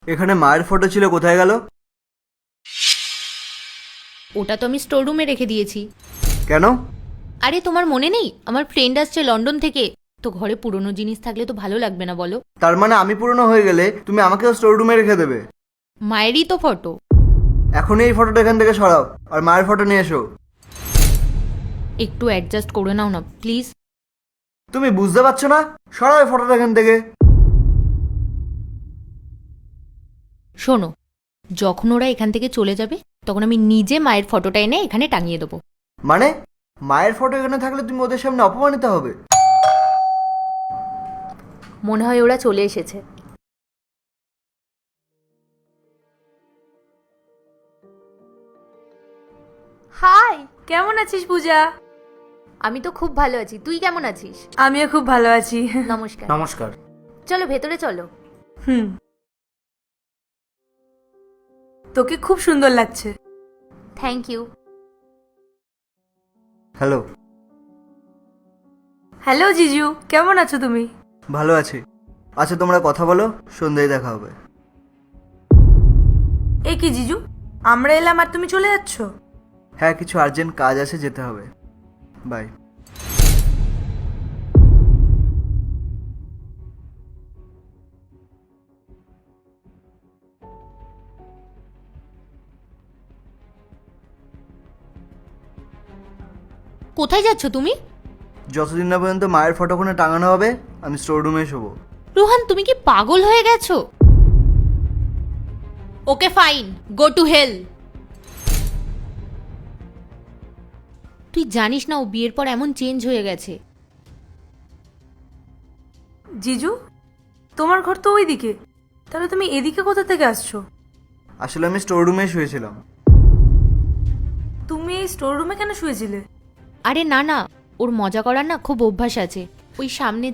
এখানে মায়ের ফটো ছিল, কোথায় গেল? ওটা তো আমি স্টোর রুমে রেখে দিয়েছি। কেন? আরে তোমার মনে নেই আমার ফ্রেন্ড আসছে লন্ডন থেকে, তো ঘরে পুরনো জিনিস থাকলে তো ভালো লাগবে না বলো? তার মানে আমি পুরনো হয়ে গেলে তুমি আমাকেও স্টোর রুমে রেখে দেবে? মায়েরই তো ফটো। এখনই এই ফটোটা এখান থেকে সরাও আর মায়ের ফটো নিয়ে এসো। একটু অ্যাডজাস্ট করে নাও না প্লিজ। তুমি বুঝতে পারছো না? সরাও এই ফটোটা এখান থেকে। শোনো, যখন ওরা এখান থেকে চলে যাবে তখন আমি নিজে মায়ের ফটোটা এনে এখানে টাঙিয়ে দেবো। মানে মায়ের ফটো এখানে থাকলে তুমি ওদের সামনে অপমানিত হবে। মনে হয় ওরা চলে এসেছে। হাই, কেমন আছিস পূজা? আমি তো খুব ভালো আছি, তুই কেমন আছিস? আমিও খুব ভালো আছি। নমস্কার। নমস্কার। চলো ভেতরে চলো। হুম, তোকে খুব সুন্দর লাগছে। Thank you. হ্যালো। হ্যালো জিজু, কেমন আছো তুমি? ভালো আছি। আচ্ছা তোমরা কথা বলো, সন্ধ্যায় দেখা হবে। এ কি জিজু, আমরা এলাম আর তুমি চলে যাচ্ছ? হ্যাঁ, কিছু আর্জেন্ট কাজ আছে, যেতে হবে। বাই। কোথায় যাচ্ছ তুমি? যতদিন না পর্যন্ত মায়ের ফটোখানে টাঙানো হবে আমি স্টোর রুমে শোবো। রোহান, তুমি কি পাগল হয়ে গেছো? Okay fine, go to hell. তুই জানিস না ও বিয়ের পর এমন চেঞ্জ হয়ে গেছে। জিজু, তোমার ঘর তো ওইদিকে, তাহলে তুমি এদিকে কোথা থেকে আসছো? আসলে আমি স্টোর রুমে শুয়েছিলাম। তুমি এই স্টোর রুমে কেন শুয়েছিলে? আরে না না, ওর মজা করার না খুব অভ্যাস আছে। ওই সামনে